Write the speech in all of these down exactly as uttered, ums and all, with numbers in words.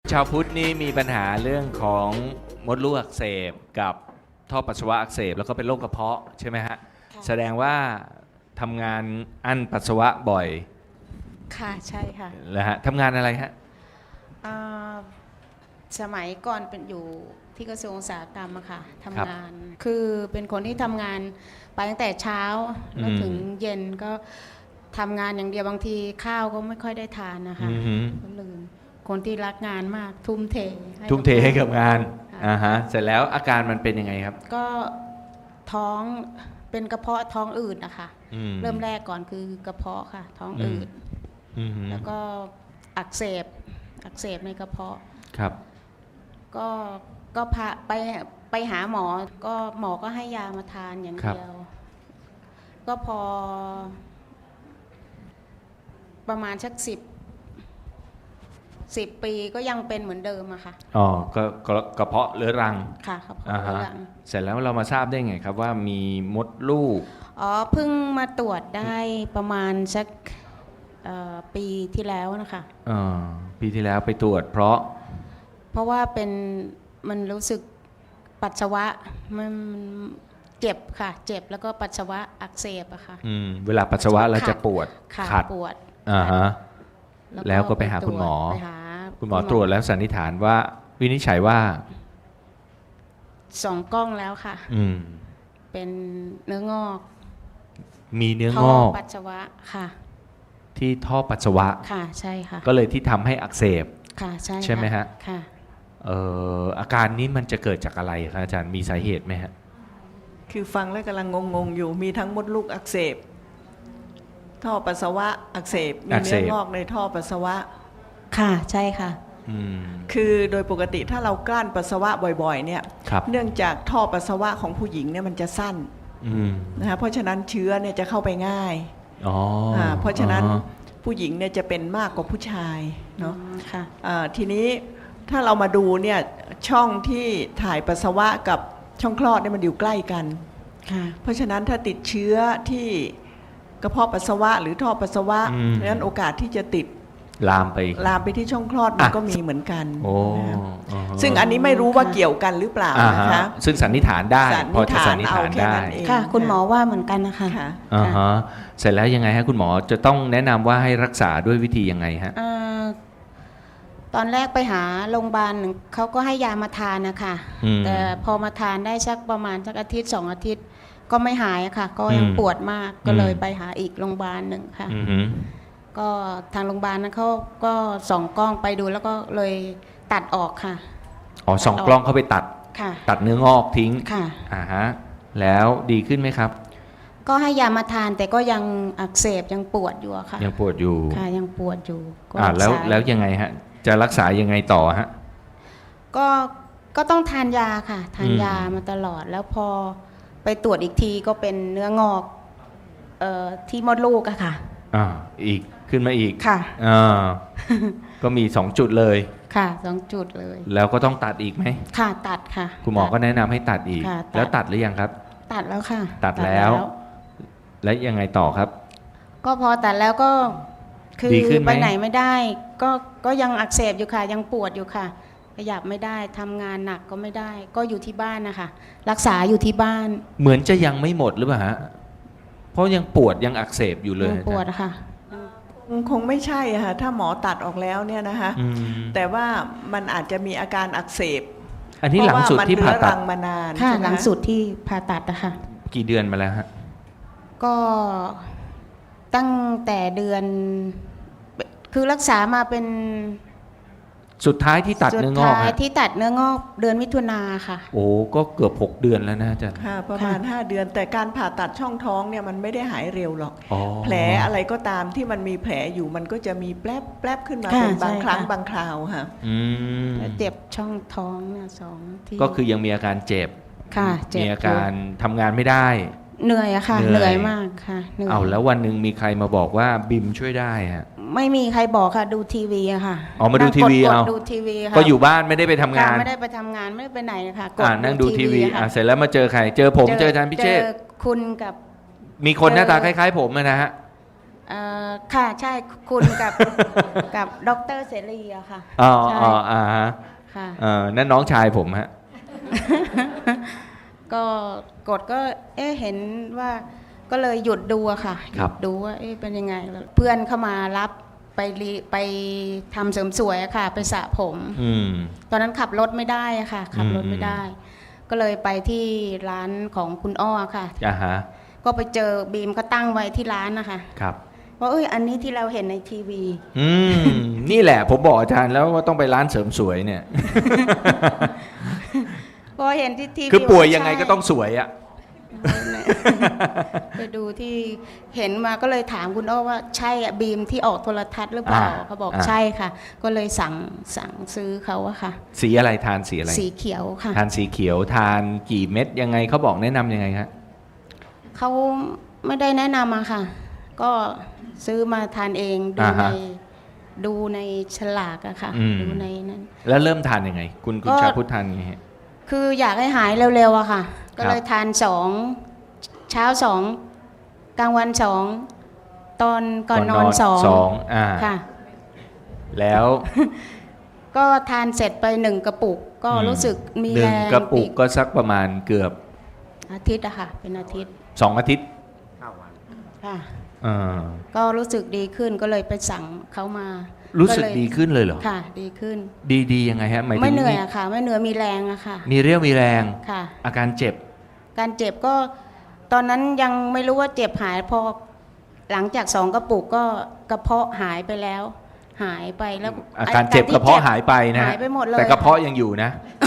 ชาวพุทธนี่มีปัญหาเรื่องของมดลูกอักเสบกับท่อปัสสาวะอักเสบแล้วก็เป็นโรคกระเพาะใช่ไหมฮะแสดงว่าทำงานอั้นปัสสาวะบ่อยค่ะใช่ค่ะแล้วฮะทำงานอะไรฮะอ่าสมัยก่อนเป็นอยู่ที่กระทรวงอุตสาหกรรมอะค่ะทำงาน คือเป็นคนที่ทำงานไปตั้งแต่เช้าแล้วถึงเย็นก็ทำงานอย่างเดียวบางทีข้าวก็ไม่ค่อยได้ทานนะคะอือหือก็ลืมคนที่รักงานมากทุ่มเทให้ทุ่มเทให้กับงานค่ะอ่าฮะเสร็จแล้วอาการมันเป็นยังไงครับก็ท้องเป็นกระเพาะท้องอืดนะคะอืมเริ่มแรกก่อนคือกระเพาะค่ะ ท้องอืดอืมหือแล้วก็อักเสบอักเสบในกระเพาะครับก็ก็พาไปไปหาหมอก็หมอก็ให้ยามาทานอย่างครับเดียว ก็พอ ประมาณสักสิบสิบปีก็ยังเป็นเหมือนเดิมอะค่ะอ๋อก็ก็กระเพาะเรื้อรังค่ะครับอ่าฮะเรื้อรังเสร็จแล้วเรามาทราบได้ไงครับว่ามีมดลูกอ๋อเพิ่งมาตรวจได้ประมาณสักเอ่อปีที่แล้วนะคะอ่าปีที่แล้วไปตรวจเพราะเพราะว่าเป็นมันรู้สึกปัสสาวะมันเจ็บค่ะ เจ็บแล้วก็ปัสสาวะอักเสบอะค่ะอืมเวลาปัสสาวะเราจะปวดขาขัดปวดอ่าฮะขัดแล้วก็ไปหาคุณหมอไปหาคุณหมอตรวจแล้วสันนิษฐานว่าวินิจฉัยว่าสองกล้องแล้วค่ะอืมเป็นเนื้องอกมีเนื้องท่อกปัสสาวะค่ะที่ท่อปัสสาวะค่ะใช่ค่ะก็เลยที่ทำให้อักเสบค่ะใช่ใช่ไหมฮะค่ะเอ่ออาการนี้มันจะเกิดจากอะไรครับอาจารย์มีสาเหตุไหมฮะคือฟังแล้วกำลังงงๆอยู่มีทั้งมดลูกอักเสบท่อปัสสาวะอักเสบมีอักเสเนื้อบ งอกในท่อปัสสาวะค่ะใช่ค่ะอืมคือโดยปกติถ้าเรากลั้นปัสสาวะบ่อยๆเนี่ยครับเนื่องจากท่อปัสสาวะของผู้หญิงเนี่ยมันจะสั้นอืมนะคะเพราะฉะนั้นเชื้อเนี่ยจะเข้าไปง่ายอ๋ออ่าเพราะฉะนั้นอ๋อผู้หญิงเนี่ยจะเป็นมากกว่าผู้ชายเนาะค่ะอ่าทีนี้ถ้าเรามาดูเนี่ยช่องที่ถ่ายปัสสาวะกับช่องคลอดเนี่ยมันอยู่ใกล้กันค่ะเพราะฉะนั้นถ้าติดเชื้อที่กระเพาะปัสสาวะหรือท่อปัสสาวะอืมดังนั้นโอกาสที่จะติดลามไปลามไปที่ช่องคลอดมันอ่ะก็มีเหมือนกันโอ้นะครับอ่าฮะซึ่งอันนี้ไม่รู้ว่าเกี่ยวกันหรือเปล่าอ่านะฮะคะซึ่งสันนิษฐานได้สันพอนิษจะฐาสันนนิษเอาฐานแค่ได้นั้นเองค่ะ คุณหมอว่าเหมือนกันนะคะค่ะอ่าฮะเสร็จแล้วยังไงฮะคุณหมอจะต้องแนะนำว่าให้รักษาด้วยวิธียังไงฮะเอ่อตอนแรกไปหาโรงพยาบาลหนึ่งเขาก็ให้ยามาทานนะคะอืมแต่พอมาทานได้สักประมาณสักอาทิตย์สองอาทิตย์ ก็ไม่หายอะค่ะ ก็ยังอืมปวดมากก็เลยอืมไปหาอีกโรงพยาบาลหนึ่งค่ะอือหือก็ทางโรงพยาบาลนั้นเขาก็ส่องกล้องไปดูแล้วก็เลยตัดออกค่ะอ๋อสองกล้องเข้าไปตัดค่ะตัดเนื้องอกทิ้งค่ะอ่าฮะแล้วดีขึ้นไหมครับก็ให้ยามาทานแต่ก็ยังอักเสบยังปวดอยู่อะค่ะยังปวดอยู่ค่ะยังปวดอยู่ก็อ่ารักแล้วษาแล้วยังไงฮะจะรักษายังไงต่อฮะก็ก็ต้องทานยาค่ะ ทานอืมยามาตลอด แล้วพอไปตรวจอีกทีก็เป็นเนื้องอกเอ่อที่มดลูกอะค่ะอ่าอีกขึ้นมาอีกค่ะอ่า ก็มีสองจุดเลยค่ะสองจุดเลยแล้วก็ต้องตัดอีกไหมค่ะตัดค่ะคุณหมอก็ตัดแนะนำให้ตัดอีกค่ะตัดแล้วตัดหรือยังครับตัดแล้วค่ะตัดแล้ว แล้วยังไงต่อครับก็พอตัดแล้วก็คือดีขึ้นไหมไปไหนไม่ได้ ก็ก็ยังอักเสบอยู่ค่ะ ยังปวดอยู่ค่ะขยับไม่ได้ทำงานหนักก็ไม่ได้ ก็อยู่ที่บ้านนะคะรักษาอยู่ที่บ้านเหมือนจะยังไม่หมดหรือเปล่าฮะเพราะยังปวดยังอักเสบอยู่เลยยังปวดอะค่ะคงคงไม่ใช่อะค่ะถ้าหมอตัดออกแล้วเนี่ยนะคะอืมแต่ว่ามันอาจจะมีอาการอักเสบอันนี้หลังสุดที่ผ่าเพระว่ตัมัดนเรื้อรังมานานค่ะใช่ไมหลังสุดที่ผ่าตัดอะค่ะกี่เดือนมาแล้วฮะก็ตั้งแต่เดือน คือรักษามาเป็นสุดท้ายที่ตัดสุเนื้ดองอกท้ายฮะที่ตัดเนื้องอกเดือนมิถุนาค่ะโอ้ก็เกือบหกเดือนแล้วนะอาจารย์ค่ะประมาณค่ะห้าเดือน แต่การผ่าตัดช่องท้องเนี่ยมันไม่ได้หายเร็วหรอกอ๋อแผลอะไรก็ตามที่มันมีแผลอยู่มันก็จะมีแปลบแปลบขึ้นมาค่ะเป็นบางใช่ครั้งค่ะบางคราวค่ะอืมแล้วเจ็บช่องท้องเนี่ยสองที่ก็คือยังมีอาการเจ็บค่ะเจ็บมีอาการทำงานไม่ได้เหนื่อยอะค่ะเหเหนื่นื่ออย ยมากค่ะเหนื่อยเอาแล้ววันหนึ่งมีใครมาบอกว่าบิมช่วยได้ฮะไม่มีใครบอกค่ะดูทีวีอะค่ะอ๋อมาดูทีวีนั่งกเอาดดูทีวีค่ะก็อยู่บ้านไม่ได้ไปทำงานค่ะไม่ได้ไปทำงานไม่ได้ไปไหนนะคะกอ่านั่งดูทีวีอะค่ะอ่าเสร็จแล้วมาเจอใคร เจอผมเจออาจารย์พิเชษฐ์เจอคุณกับมีคนหน้าตาคเจอล้ายๆผมอะนะฮะเอ่อค่ะใช่คุณกับ กับดอกเตอรเสรีอะค่ะอ๋อใช่อ๋ออ่าฮะค่ะเออนั่นน้องชายผมฮะก็กดก็เอ๊ะเห็นว่าก็เลยหยุดดูอะค่ะหครัยุบดดูว่าเอ๊ะเป็นยังไงแล้วเพื่อนเข้ามารับไปรีไปทำเสริมสวยอะค่ะ ไปสระผมอืมตอนนั้นขับรถไม่ได้อะค่ะ ขับรถไม่ได้ ก็เลยไปที่ร้านของคุณอ้อค่ะอ่าฮะก็ไปเจอบีมก็ตั้งไว้ที่ร้านนะคะครับว่าเอ้ยอันนี้ที่เราเห็นในทีวีอืม นี่แหละผมบอกอาจารย์แล้วว่าต้องไปร้านเสริมสวยเนี่ยพอเห็นที่ทีวีคือป่วยยังไงใช่ก็ต้องสวยอะไปดูที่เห็นมาก็เลยถามคุณอ้อว่าใช่อะบีมที่ออกโทรทัศน์หรือเปล่าอ่าเขาบอกอ่าใช่ค่ะ ก็เลยสั่งสั่งซื้อเขาอะค่ะสีอะไรทานสีอะไรสีเขียวค่ะทานสีเขียวทานกี่เม็ดยังไงเขาบอกแนะนำยังไงครับเขาไม่ได้แนะนำอะค่ะ ก็ซื้อมาทานเองดูอ่าในฮะดูในฉลากอะค่ะอืมดูในนั้นแล้วเริ่มทานยังไง คุณคุณก็ชาพุทธทานยังไงฮะคืออยากให้หายเร็วๆอะค่ะ ก็เลยครับทานสองเช้าสองกลางวันสองตอนก่อนนอนสองสองอ่าค่ะแล้วก็ทานเสร็จไปหนึ่งกระปุก ก็อืมรู้สึกมีหนึ่แรงกระปุกอีก็สักประมาณเกือบอาทิตย์อะค่ะ เป็นอาทิตย์สองอาทิตย์ค่ะอ่าก็รู้สึกดีขึ้นก็เลยไปสั่งเขามารู้รู้สึกดีขึ้นเลยเหรอค่ะ ดีขึ้นดีดียังไงฮะหมายถึงไม่เหนื่อยอะค่ะ ไม่เหนื่อยมีแรงอะค่ะมีเรี่ยวมีแรงค่ะอาการเจ็บการเจ็บก็ตอนนั้นยังไม่รู้ว่าเจ็บหายพอหลังจากสองกระปุกก็กระเพาะหายไปแล้ว หายไปแล้วอาการเจ็บกระเพาะหายไปนะหายไปหมดเลยแต่กระเพาะยังอยู่นะ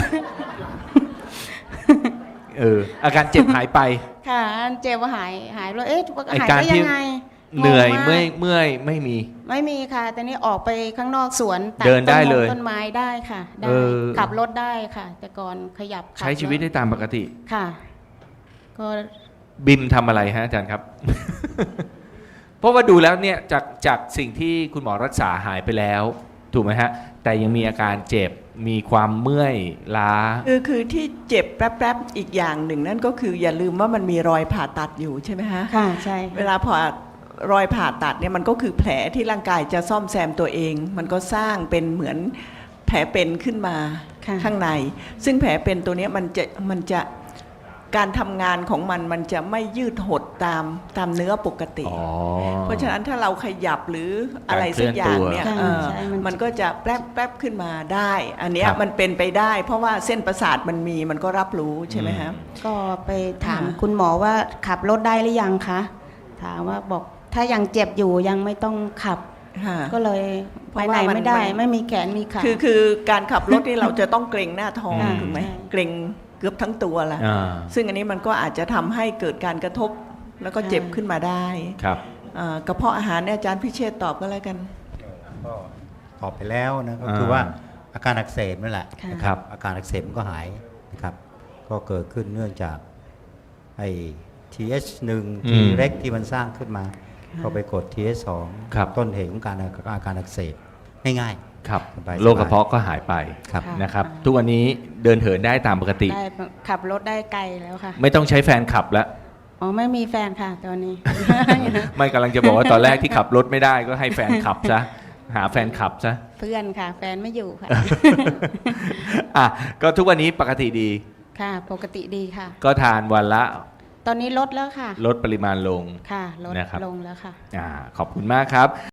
เอออาการเจ็บหายไปค่ะเจ็บว่าหายหายแล้วเอ๊ะไอ้หายการได้ที่ยังไงเหนื่อยงงากเมื่อยเมื่อยไม่มีไม่มีค่ะแต่นี่ออกไปข้างนอกสวนตัเดินได้ต้มงเลยต้นไม้ได้ค่ะได้เออขับรถได้ค่ะ แต่ก่อนขยับขับใช้ชีวิตรถได้ตามปกติค่ะ ก็บิมทำอะไรฮะอาจารย์ครับ เพราะว่าดูแล้วเนี่ยจากจากสิ่งที่คุณหมอรักษาหายไปแล้ว ถูกไหมฮะ แต่ยังมีอาการเจ็บมีความเมื่อยล้าคือคือที่เจ็บแป๊บๆอีกอย่างหนึ่งนั่นก็คืออย่าลืมว่ามันมีรอยผ่าตัดอยู่ใช่ไหมฮะค่ะใช่เวลาผ่ารอยผ่าตัดเนี่ยมันก็คือแผลที่ร่างกายจะซ่อมแซมตัวเอง มันก็สร้างเป็นเหมือนแผลเป็นขึ้นมาค่ะข้างใน ซึ่งแผลเป็นตัวเนี้ยมันจะมันจะการทำงานของมันมันจะไม่ยืดหดตามตามเนื้อปกติอ๋อเพราะฉะนั้นถ้าเราขยับหรืออะไรสักอย่างเนี่ยการเคเอลื่อนตัวอใช่มันมันก็จะแป๊บแป๊บขึ้นมาได้ อันเนี้ยครับมันเป็นไปได้ เพราะว่าเส้นประสาทมันมีมันก็รับรู้ใช่ไหมฮะก็ไปถามอ่าคุณหมอว่าขับรถได้หรือยังคะถามว่าบอกถ้ายังเจ็บอยู่ยังไม่ต้องขับค่ะก็เลยเพไปราะไหนว่ามันไม่ได้มันไม่มีแขนมีขาคือคือการขับรถนี่เราจะต้องเกรงหน้าท้องอืมถูกไหมใช่เกรงเกือบทั้งตัวละอ่าซึ่งอันนี้มันก็อาจจะทำให้เกิดการกระทบแล้วก็เจ็บขึ้นมาได้ครับอ่ากระเพาะอาหารเนี่ยอาจารย์พิเชษฐ์ตอบก็แล้วกันก็ตอบไปแล้วนะก็อ่าคือว่าอาการอักเสบนั่นแหละค่ะนะครับอาการอักเสบมันก็หายนะครับก็เกิดขึ้นเนื่องจากไอ้ ที เอช หนึ่งอืทีมเร็กที่มันสร้างขึ้นมาก็ไปกด ที เอช สองครับต้นเหตุของการอาการอักเสบง่ายครับสบายๆโรคกระเพาะก็หายไปๆครับค่ะนะครับ ทุกวันนี้เดินเหินได้ตามปกติได้ขับรถได้ไกลแล้วค่ะไม่ต้องใช้แฟนขับแล้วอ๋อไม่มีแฟนค่ะตอนนี้ไม่กำลังจะบอกว่าตอนแรกที่ขับรถไม่ได้ก็ให้แฟนขับซะ หาแฟนขับซะเพื่อนค่ะ แฟนไม่อยู่ค่ะอ่ะก็ทุกวันนี้ปกติดีค่ะปกติดีค่ะก็ทานวันละตอนนี้ลดแล้วค่ะลดปริมาณลงค่ะลดนะครับลงแล้วค่ะอ่าขอบคุณมากครับ